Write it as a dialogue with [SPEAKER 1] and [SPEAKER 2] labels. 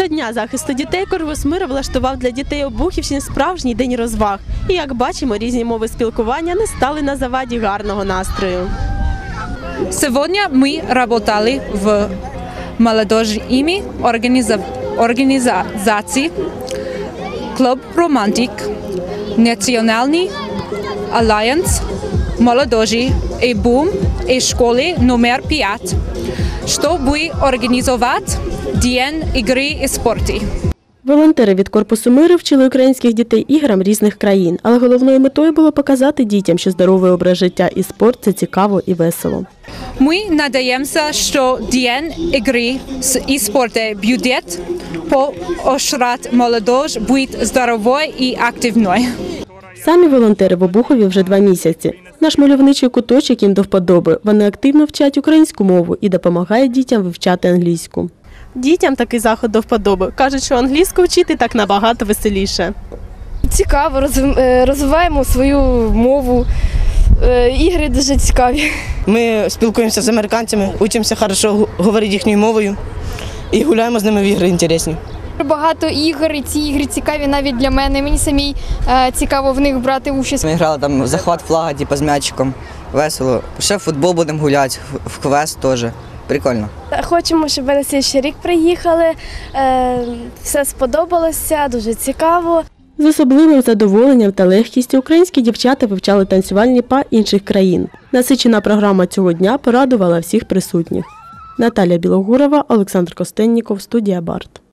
[SPEAKER 1] Дня захисту дітей Корпус Миру влаштував для дітей Обухівщини справжній день розваг. І, як бачимо, різні мови спілкування не стали на заваді гарного настрою.
[SPEAKER 2] Сегодня мы работали в молодежной организации «Клуб Романтик», Национальный альянс молодежи и БУМ и школы номер 5, чтобы организовать День игры и спорта.
[SPEAKER 1] Волонтери від Корпусу Миру вчили українських дітей іграм різних країн, але головною метою було показати дітям, що здоровий образ життя і спорт – це цікаво і весело.
[SPEAKER 2] Мы надеемся, что День игры и спорта будет поощрять молодежь быть здоровой и активной.
[SPEAKER 1] Самі волонтери в Обухові вже 2 місяці. Наш мальовничий куточок їм до вподоби. Вони активно вчать українську мову і допомагають дітям вивчати англійську. Дітям такий заход до вподоби. Кажуть, що англійську вчити так набагато веселіше.
[SPEAKER 3] Цікаво, розвиваємо свою мову, ігри дуже цікаві.
[SPEAKER 4] Ми спілкуємося з американцями, вчимося добре говорити їхньою мовою і гуляємо з ними в ігри цікаві.
[SPEAKER 3] Багато ігор, і ці ігри цікаві навіть для мене. Мені самій цікаво в них брати участь.
[SPEAKER 5] Ми грали там в захват флага, типу, з м'ячиком. Весело. Ще в футбол будемо гуляти, в квест теж. Прикольно.
[SPEAKER 6] Хочемо, щоб ви на слідчий рік приїхали. Все сподобалося, дуже цікаво.
[SPEAKER 1] З особливим задоволенням та легкістю українські дівчата вивчали танцювальні па інших країн. Насичена програма цього дня порадувала всіх присутніх. Наталія Білогурова, Олександр Костенніков, студія Барт.